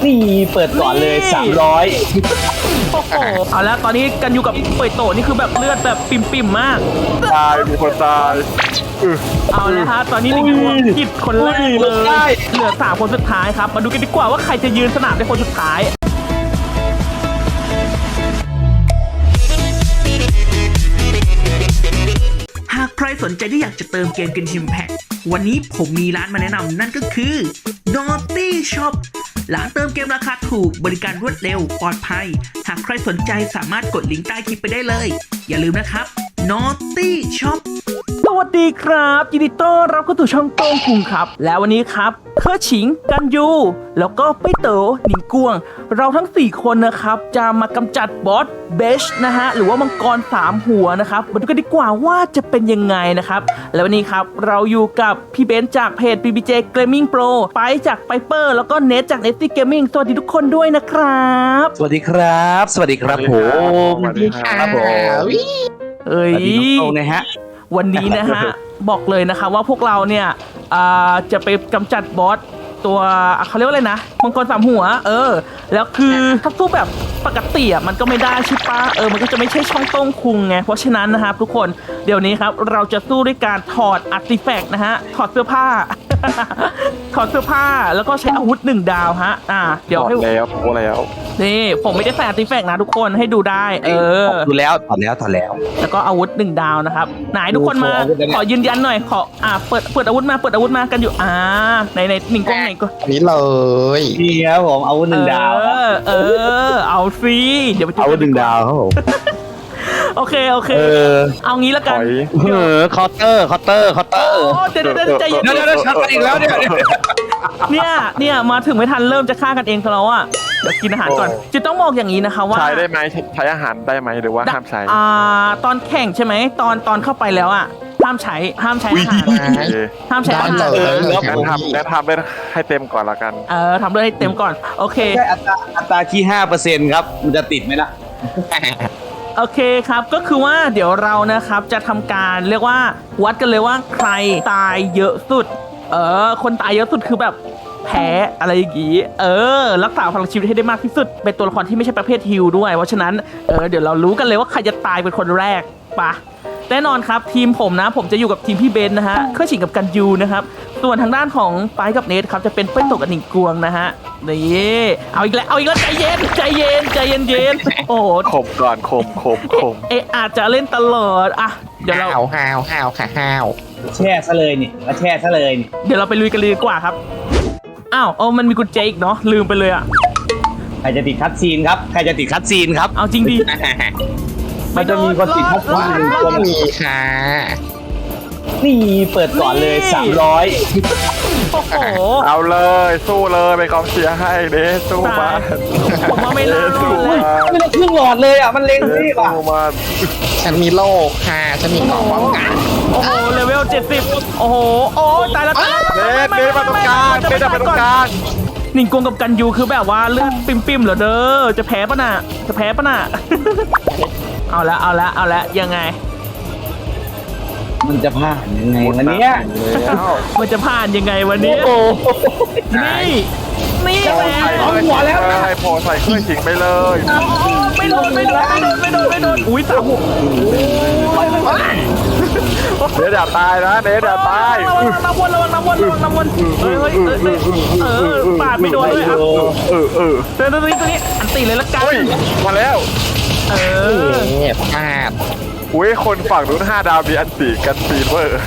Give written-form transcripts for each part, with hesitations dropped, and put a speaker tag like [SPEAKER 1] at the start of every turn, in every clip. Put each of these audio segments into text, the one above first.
[SPEAKER 1] นี่เปิดก่อนเลย300
[SPEAKER 2] โอ้โหเอาแล้วตอนนี้กันอยู่กับเปิดโตนี่คือแบบเลือดแบบปิ่มๆมาก
[SPEAKER 3] ตายมีคนตาย
[SPEAKER 2] เอาแล้วฮะตอนนี้หนึ่งตัวผิดคนแรกเลยเหลือ3คนสุดท้ายครับมาดูกันดีกว่าว่าใครจะยืนสนามในคนสุดท้ายหากใครสนใจที่อยากจะเติมเกมGenshin Impact วันนี้ผมมีร้านมาแนะนำนั่นก็คือ Naughty Shop ร้านเติมเกมราคาถูกบริการรวดเร็วปลอดภัยหากใครสนใจสามารถกดลิงก์ใต้คลิปไปได้เลยอย่าลืมนะครับ Naughty Shop สวัสดีครับยินดีต้อนรับเข้าสู่ช่องโต้งคุงครับแล้ววันนี้ครับเคอฉิงกันยูแล้วก็ไปเต๋อหนิงกวงเราทั้ง4คนนะครับจะมากำจัดบอสเบชนะฮะหรือว่ามังกร3หัวนะครับมาดูกันดีกว่าว่าจะเป็นยังไงนะครับแล้ววันนี้ครับเราอยู่กับพี่เบนซ์จากเพจ PBJ Gaming Pro ไปจากไ Piper แล้วก็เนทจาก Nesty Gaming สวัสดีทุกคนด้วยนะครับ
[SPEAKER 1] สวัสดีครับสวัสดีครับผม
[SPEAKER 3] สวัสดีครับผม
[SPEAKER 2] เอ้ย
[SPEAKER 1] สวัสดีน้องโต้งนะฮะ
[SPEAKER 2] วันนี้นะฮะ บอกเลยนะคะว่าพวกเราเนี่ยจะไปกำจัดบอสตัวเขาเรียกว่าอะไรนะมังกร3หัวแล้วคือถ้าสู้แบบปกติมันก็ไม่ได้ใช่ปะมันก็จะไม่ใช่ช่องโต้งคุงไงเพราะฉะนั้นนะครับทุกคนเดี๋ยวนี้ครับเราจะสู้ด้วยการถอดอาร์ติแฟกต์นะฮะถอดเสื้อผ้า ถอดเสื้อผ้าแล้วก็ใช้อาวุธ1 ดาวฮะเดี๋ยวให้
[SPEAKER 3] แล้วโอ้แล้ว
[SPEAKER 2] นี่ผมไม่ได้ใส่อาร์ติแฟกต์นะทุกคนให้ดูได้
[SPEAKER 1] ดูแล้วถอดแล้ว
[SPEAKER 2] แล้วก็อาวุธ1 ดาวนะครับไหนทุกคนมาขอยืนยันหน่อยขอเปิดอาวุธมากันอยู่ในหนึ่งกล้องไหนก็
[SPEAKER 4] นี้เลย
[SPEAKER 1] นี่ครับผมอาวุธ1 ดาว
[SPEAKER 2] เอาสิเดี๋ยวไป
[SPEAKER 1] อาวุธ1 ดาวครับผม
[SPEAKER 2] โอเคเอางี้ละกัน
[SPEAKER 1] เคาน์เตอร์
[SPEAKER 2] เดี๋ยวใจเย็น
[SPEAKER 1] เดี๋ยวชัดอีกแล้ว
[SPEAKER 2] เนี่ยมาถึงไม่ทันเริ่มจะฆ่ากันเองซะแล้วอ่ะเดี๋ยวกินอาหารก่อนจะต้องบอกอย่างนี้นะคะว่า
[SPEAKER 3] ใช้ได้ไหมใช้อาหารได้ไหมหรือว่าห้ามใช้
[SPEAKER 2] ตอนแข่งใช่ไหมตอนเข้าไปแล้วอ่ะห้ามใช้อาหารห้ามใช้อาหาร
[SPEAKER 3] งั้นทำได้ให้เต็มก่อนละกัน
[SPEAKER 2] ทำด้วยให้เต็มก่อนโอเค
[SPEAKER 1] ใช่อัตราที่ 5% ครับมันจะติดไหมล่ะ
[SPEAKER 2] โอเคครับก็คือว่าเดี๋ยวเรานะครับจะทำการเรียกว่าวัดกันเลยว่าใครตายเยอะสุดคนตายเยอะสุดคือแบบแพ้อะไรอย่างงี้รักษาพลังชีวิตให้ได้มากที่สุดเป็นตัวละครที่ไม่ใช่ประเภทฮิลด้วยเพราะฉะนั้นเดี๋ยวเรารู้กันเลยว่าใครจะตายเป็นคนแรกปะแน่นอนครับทีมผมนะผมจะอยู่กับทีมพี่เบนนะฮะเครื่องฉิงกับกันยูนะครับส่วนทางด้านของไปกับเนทครับจะเป็นเป้นตกกับหนิงกวงนะฮะนี่เอาอีกแล้วใจเย็นโอ้
[SPEAKER 3] ข่มก่อนข่ม
[SPEAKER 2] อาจจะเล่นตลอดเดี๋ยวเรา
[SPEAKER 4] ห้าว
[SPEAKER 1] แช่ซะเลยนี่มาแช่ซะเลยนี่
[SPEAKER 2] เดี๋ยวเราไปลุยกันเลยดีกว่าครับมันมีกุญแจอีกเนาะลืมไปเลย
[SPEAKER 1] ใครจะติดคัตซีนครับ
[SPEAKER 2] เอาจริงดิ
[SPEAKER 1] มันจะมีคนติดคัตซีน
[SPEAKER 4] ก็มีค่ะ
[SPEAKER 1] นี่เปิดก่อนเลย300
[SPEAKER 2] โอ้โห
[SPEAKER 3] เอาเลยสู้เลยไปกองเชียร์ให้เด้สู้มา
[SPEAKER 2] ผมว่าไม่น่ารอดเลย
[SPEAKER 1] ไม่ได้ครึ่งหลอดเลยมันเล็งรีบ
[SPEAKER 3] สู้มา
[SPEAKER 4] ฉันมีโล่ค่ะฉันมีของป้องกัน
[SPEAKER 2] โอ้โหเลเวล70โอ้โหตายแล้ว
[SPEAKER 3] เด้มาตรงกลางเด้จะไปตรงกลาง
[SPEAKER 2] หนิงกวงกับกันยูคือแบบว่าเลือดปิ่มเหรอเด้อจะแพ้ปะน่ะเอาละยังไง
[SPEAKER 1] มันจะผ่านยังไงวันนี้
[SPEAKER 2] มันจะผ่านยังไงวันนี้นี่แหละ
[SPEAKER 1] เอาหัวแล้ว
[SPEAKER 3] ให้พอใส่เครื่องฉิงไปเลย
[SPEAKER 2] ไม่โดนอุ้ยตาหัว
[SPEAKER 3] เดี๋ยวตายนะเดี๋ยวตาย
[SPEAKER 2] ระวังน้ำวนเฮ้ยปาดไม่โดนเลยตัวนี้อันตีเลยละกัน
[SPEAKER 3] มาแล้ว
[SPEAKER 4] พลาด
[SPEAKER 3] อุ้ยคนฝั่งนู้น5 ดาวมีอันตีกันฟีเวอร์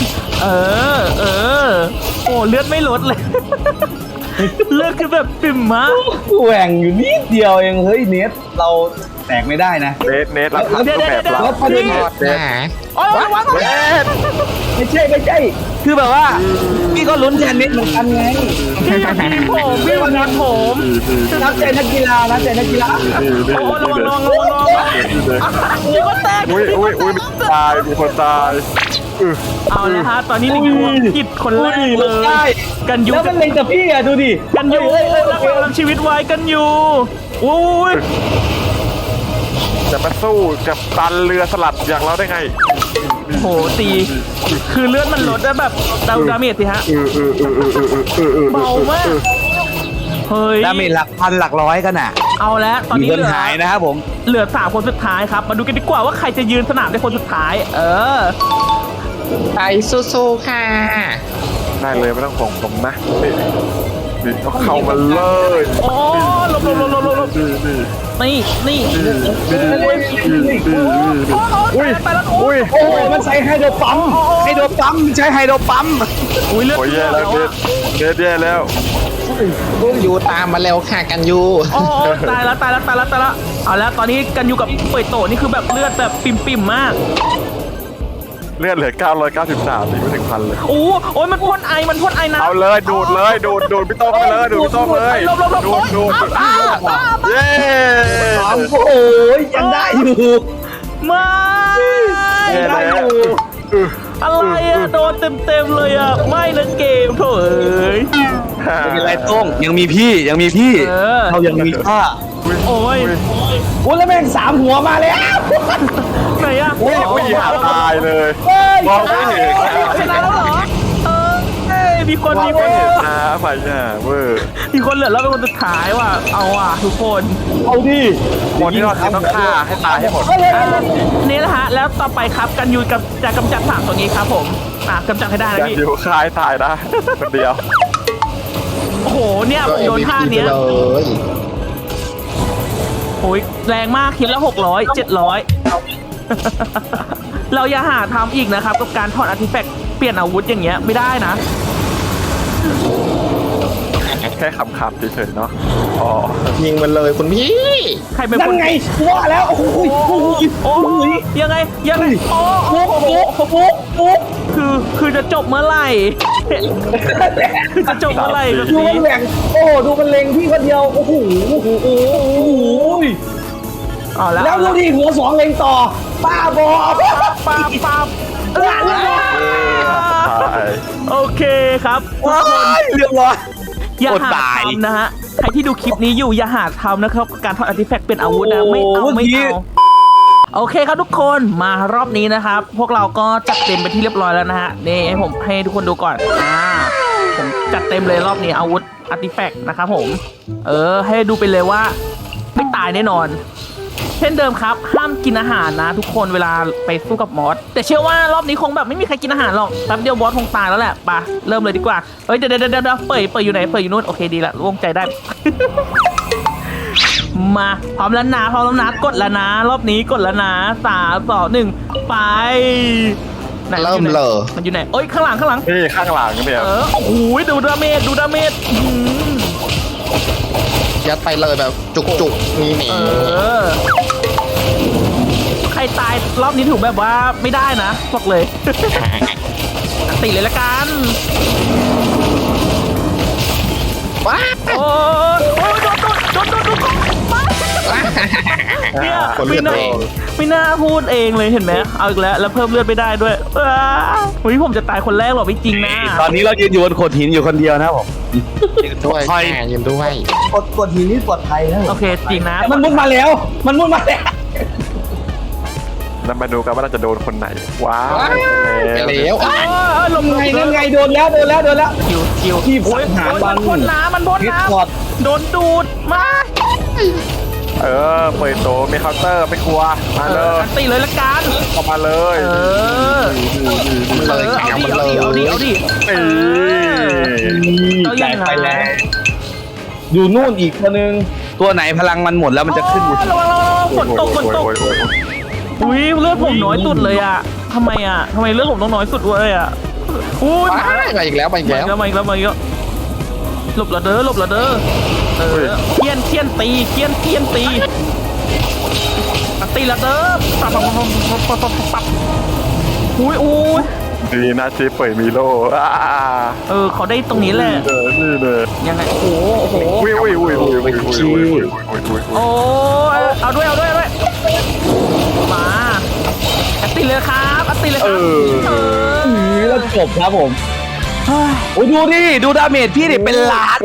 [SPEAKER 2] โอ้เลือดไม่ลดเลยเลือดคือแบบปิ่มมาก
[SPEAKER 1] แหว่งอยู่นิดเดียวเองเฮ้ยเนทเราแตกไม่ได้นะ
[SPEAKER 3] เนทรับทันก็แบบเรา
[SPEAKER 1] ประเด็นไม่ใช่คือแบบว่าพี่ก็ลุ้นแทนเนทเหมือนกันไง
[SPEAKER 2] พี่วันนั้นผม
[SPEAKER 1] นับใจนักกีฬา
[SPEAKER 2] โอ้ระวังนี่ก็แตก
[SPEAKER 3] ตายมีคนตาย
[SPEAKER 2] เอาเลยฮะตอนนี้หนิงกวงผิดคนแรกเลยกันยู
[SPEAKER 1] แล้วมันเล็งกับพี่ดูดิ
[SPEAKER 2] กันยูรักษาชีวิตไว้กันยู
[SPEAKER 3] จะมาสู้กับตันเรือสลัดอย่างเราได้ไง
[SPEAKER 2] โหตีคือเลือดมันลดแล้วแบบดาเมจสิฮะเบามากเฮ้ย
[SPEAKER 1] ดาเมจหลักพันหลักร้อยกันอ่ะ
[SPEAKER 2] เอาแล้วตอน
[SPEAKER 1] มี
[SPEAKER 2] นี้
[SPEAKER 1] คน
[SPEAKER 2] เหลือ
[SPEAKER 1] หายนะครับผม
[SPEAKER 2] เหลือ3คนสุดท้ายครับมาดูกันดีกว่าว่าใครจะยืนสนามในคนสุดท้าย
[SPEAKER 4] ไปสู้ๆค่ะ
[SPEAKER 3] ได้เลยไม่ต้องห่วงผมนะนี่ก็เข้ามาเลย
[SPEAKER 2] โอ้หลบ
[SPEAKER 3] นี่
[SPEAKER 2] นี่
[SPEAKER 3] อุ้ย
[SPEAKER 2] ไปแล้ว
[SPEAKER 3] อุ้ย
[SPEAKER 1] โอ้ยมันใช้ไฮโดรปั๊มไฮโดรปั๊มใช้ไฮโดรปั๊ม
[SPEAKER 2] อุ้ยเลือด
[SPEAKER 3] โอ้ยแย่แล้วเด็ดแย่แล้ว
[SPEAKER 4] ยูตามมาเร็วค่ะกันยู
[SPEAKER 2] โอ้ตายแล้วเอาแล้วตอนนี้กันอยู่กับเปิดโตนี่คือแบบเลือดแบบปิ่มมาก
[SPEAKER 3] เลือดเหลือ993ไม่ถึงพันเลย
[SPEAKER 2] โอ้ยมันพ่นไอนะ
[SPEAKER 3] เอาเลยดูดเลยดูดพี่โต้งไปเลยดูดพี่โต้งเลย
[SPEAKER 2] หลบ
[SPEAKER 3] ดูดเย้
[SPEAKER 1] โอ้ยยังได้อยู่
[SPEAKER 2] ไม่
[SPEAKER 3] แย่แล้ว
[SPEAKER 2] อะไรอะโดนเต็มเลยอะไม่นะเกมโถเอ้ย
[SPEAKER 1] ไม่เป็นไรโต้งยังมีพี่เรายังมีค่า
[SPEAKER 2] โอ้ย
[SPEAKER 1] โอ้แล้วแม่ง3 หัวมาแล้ว
[SPEAKER 2] ไหนอะ
[SPEAKER 3] อุ้ยหาตายเลยมองไม่เห็น
[SPEAKER 2] ชนะแล้วเหรอมีคน
[SPEAKER 3] มองไม่เห็นนะไฟหน้าเวอร์
[SPEAKER 2] มีคนเหลือแล้วเป็นคนสุดท้ายว่ะเอาอ่ะทุกคน
[SPEAKER 1] เอาดิ
[SPEAKER 3] คนที่เราต้องฆ่าให้ตายให้หมด
[SPEAKER 2] นี่นะฮะแล้วต่อไปครับกันยูกับจะกำจัด3ตัวนี้ครับผมกำจัดให้ได้นะ
[SPEAKER 3] การ
[SPEAKER 2] พี่
[SPEAKER 3] อยู่คลายตายได้คนเดียว
[SPEAKER 2] โอ้โหเนี่ยผมโดนท่าเนี้ย
[SPEAKER 4] เลย
[SPEAKER 2] โอ้ยแรงมากคิดละ600 700 เราอย่าหาทำอีกนะครับกับการถอดอาร์ติแฟกต์เปลี่ยนอาวุธอย่างเงี้ยไม่ได้นะ
[SPEAKER 3] แค่ขำๆเฉยๆเนาะอ๋อ
[SPEAKER 4] ยิงมันเลยคุณพี่
[SPEAKER 2] ใครเป็น
[SPEAKER 1] นั่
[SPEAKER 2] คน น
[SPEAKER 1] ไงว่าแล้วโอ้ย
[SPEAKER 2] โอ้ยยังไงโอ้คือจะจบเมื่อไหร่ คือจะจบเมื่อไหร่แบบ
[SPEAKER 1] ดูมัน
[SPEAKER 2] นี้
[SPEAKER 1] แหว่งโอ้ดูมันเล็งพี่คนเดียวโอ้โห
[SPEAKER 2] เอาแล้ว
[SPEAKER 1] แล้วดูดิหัว2เล็งต่อป้าบอ
[SPEAKER 2] ปั๊บ
[SPEAKER 3] ตาย
[SPEAKER 2] โอเคครับทุกคน
[SPEAKER 1] เรียบร้อย
[SPEAKER 2] อย่า
[SPEAKER 1] อด
[SPEAKER 2] หา
[SPEAKER 1] ตาย
[SPEAKER 2] ทำนะฮะใครที่ดูคลิปนี้อยู่อย่าหาทำนะครับการถอดอาร์ติแฟกต์เป็นอาวุธนะไม่เอาโอเคครับทุกคนมารอบนี้นะครับ พวกเราก็จัดเต็มไปที่เรียบร้อยแล้วนะฮะนี่ให้ผมให้ทุกคนดูก่อนผมจัดเต็มเลยรอบนี้อาวุธอาร์ติแฟกต์นะครับผมให้ดูไปเลยว่าไม่ตายแน่นอน เช่นเดิมครับห้ามกินอาหารนะทุกคนเวลาไปสู้กับมอสแต่เชื่อว่ารอบนี้คงแบบไม่มีใครกินอาหารหรอกแป๊บเดียวบอสคงตายแล้วแหละไปเริ่มเลยดีกว่าเฮ้ยเดี๋ยวเปิดอยู่ไหนเปิดอยู่นู่นโอเคดีละโล่งใจได้ มาพร้อมแล้วนะกดแล้วนะรอบนี้กดแล้วนะ3 2 1ไปไหน
[SPEAKER 4] เริ่มเลย
[SPEAKER 2] มันอยู่ไหนเอ้ยข้างหลัง
[SPEAKER 3] นี่ข้างหลังเนี่ย
[SPEAKER 2] โอ้โหดูดาเมจ
[SPEAKER 4] ยัดไปเลยแบบจุกๆนี่หนี
[SPEAKER 2] ใครตายรอบนี้ถูกแบบว่าไม่ได้นะบอกเลย ติเลยละกัน
[SPEAKER 4] ว้า
[SPEAKER 2] โอ้ยโดนเนี่ย
[SPEAKER 4] คนเลือดเอง
[SPEAKER 2] ไม่น่าพูดเองเลยเห็นไหมเอาอีกแล้วเพิ่มเลือดไม่ได้ด้วยเฮ้ยผมจะตายคนแรกหรอไม่จริงนะ
[SPEAKER 1] ตอนนี้เรายืนอยู่บนโขดหินอยู่คนเดียวนะครับผม
[SPEAKER 4] ด้วยยืนด้วย
[SPEAKER 1] กดหินนี่ปลอดภัยนะ
[SPEAKER 2] โอเคจริงนะ
[SPEAKER 1] มันมุดมาแล้ว
[SPEAKER 3] แล้วมาดูกันว่าเราจะโดนคนไหนว้าว
[SPEAKER 4] ไปแล้ว
[SPEAKER 2] ลง
[SPEAKER 1] นั่นไงโดนแล้ว
[SPEAKER 2] คิว
[SPEAKER 1] ที่สังหาร
[SPEAKER 2] มันพ่นน้ำโดนดูดมา
[SPEAKER 3] เปิดโตมีเคาน์เตอร์ไม่กลัวมาเลย
[SPEAKER 2] ตีเลยละกัน
[SPEAKER 3] เข้ามาเลย
[SPEAKER 4] เลยแข่งมันเลย
[SPEAKER 2] เอาดิ
[SPEAKER 1] จ่ายไปแล้วอยู่นู่นอีกตัวนึงตัวไหนพลังมันหมดแล้วมันจะขึ้น
[SPEAKER 2] ระวังฝนตกอุ้ยเลือดผมน้อยสุดเลยอ่ะทำไมเลือดผมต้องน้อยสุดเลยอ่ะอุ้ย
[SPEAKER 4] มาอีกแล้ว
[SPEAKER 2] มาอีกแล้วหลบละเด้อเคียนตีตีละเด้อปับอุ้ย
[SPEAKER 3] ดีนะชีเปิดมีโล
[SPEAKER 2] เขาได้ตรงนี้แหละ
[SPEAKER 3] นี่เลย
[SPEAKER 2] ยังไงโอ้โห
[SPEAKER 3] อุ้ย
[SPEAKER 2] โอ้เอาด้วยมาตีเลยครับ
[SPEAKER 1] แล้วจบครับผมโอ้ดูดิดูดาเมจพี่ดิเป็นล้าน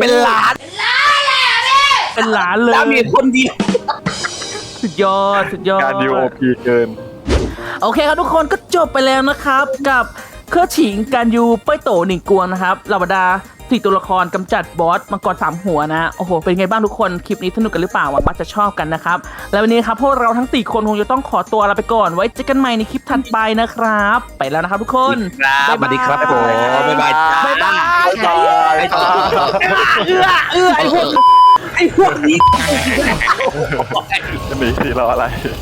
[SPEAKER 1] เลยดาเมจคนเดียวสุดยอด
[SPEAKER 3] การดิวโอพีเกิน
[SPEAKER 2] โอเคครับทุกคนก็จบไปแล้วนะครับกับเครือฉิงการยูเป้ยโตหนึ่งกวงนะครับเหล่าบรรดา
[SPEAKER 5] 4 ตัวละครกำจัดบอสมังกร3 หัวนะโอ้โหเป็นไงบ้างทุกคนคลิปนี้สนุกกันหรือเปล่าหวังว่าจะชอบกันนะครับแล้ววันนี้ครับพวกเราทั้ง4 คนคงจะต้องขอตัวลาไปก่อนไว้เจอกันใหม่ในคลิปถัดไปนะครับไปแล้วนะครับทุกคน
[SPEAKER 1] ครับสวัสดีครับผมบ๊ายบายจ้า
[SPEAKER 5] บ๊ายบาย
[SPEAKER 1] ไอ้พวกนี้
[SPEAKER 3] จะหนีสิเราอะไร